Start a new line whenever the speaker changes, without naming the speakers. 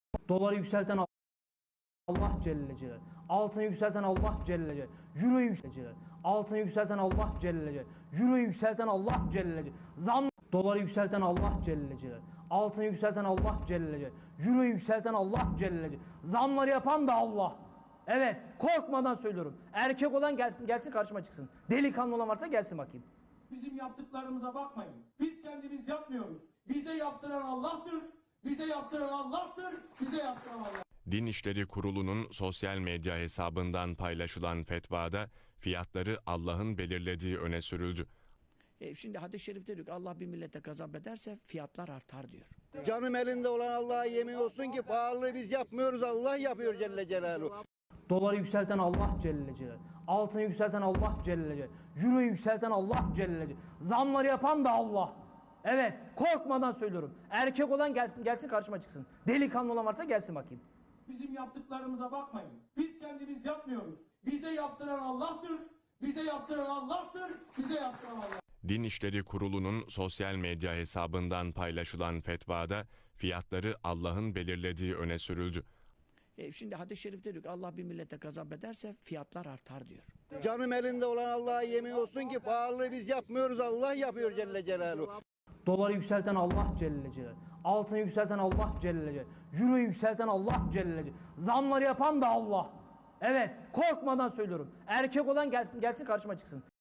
Doları yükselten Allah Celle Celal. Altını yükselten Allah Celle Celal. Euro'yu yükselten altını yükselten Allah Celle Celal. Euro'yu yükselten Allah Celle Celal. Doları yükselten Allah Celle Celal. Altını yükselten Allah Celle Celal. Euro'yu yükselten Allah Celle Celal. Zamları yapan da Allah. Evet, korkmadan söylüyorum. Erkek olan gelsin karşıma çıksın. Delikanlı olan varsa gelsin bakayım.
Bizim yaptıklarımıza bakmayın. Biz kendimiz yapmıyoruz. Bize yaptıran Allah'tır. Bize yaptıran Allah'tır. Bize yaptıran Allah.
Din İşleri Kurulu'nun sosyal medya hesabından paylaşılan fetvada fiyatları Allah'ın belirlediği öne sürüldü.
Şimdi hadis-i şerifte diyor ki Allah bir millete gazap ederse fiyatlar artar diyor.
Canım elinde olan Allah'a yemin olsun ki pahalılığı biz yapmıyoruz, Allah yapıyor Celle Celaluhu.
Doları yükselten Allah Celle Celal. Altını yükselten Allah Celle Celal. Euro'yu yükselten Allah Celle Celal. Zamları yapan da Allah. Evet, korkmadan söylüyorum. Erkek olan gelsin karşıma çıksın. Delikanlı olan varsa gelsin bakayım.
Bizim yaptıklarımıza bakmayın. Biz kendimiz yapmıyoruz. Bize yaptıran Allah'tır. Bize yaptıran Allah'tır. Bize yaptıran Allah.
Din İşleri Kurulu'nun sosyal medya hesabından paylaşılan fetvada fiyatları Allah'ın belirlediği öne sürüldü.
Şimdi hadis-i şerifte diyor ki Allah bir millete gazap ederse fiyatlar artar diyor.
Canım elinde olan Allah'a yemin olsun ki pahalılığı biz yapmıyoruz, Allah yapıyor Celle Celaluhu.
Doları yükselten Allah Celle Celal. Altını yükselten Allah Celle Celal. Euro'yu yükselten Allah Celle Celal. Zamları yapan da Allah. Evet, korkmadan söylüyorum. Erkek olan gelsin karşıma çıksın.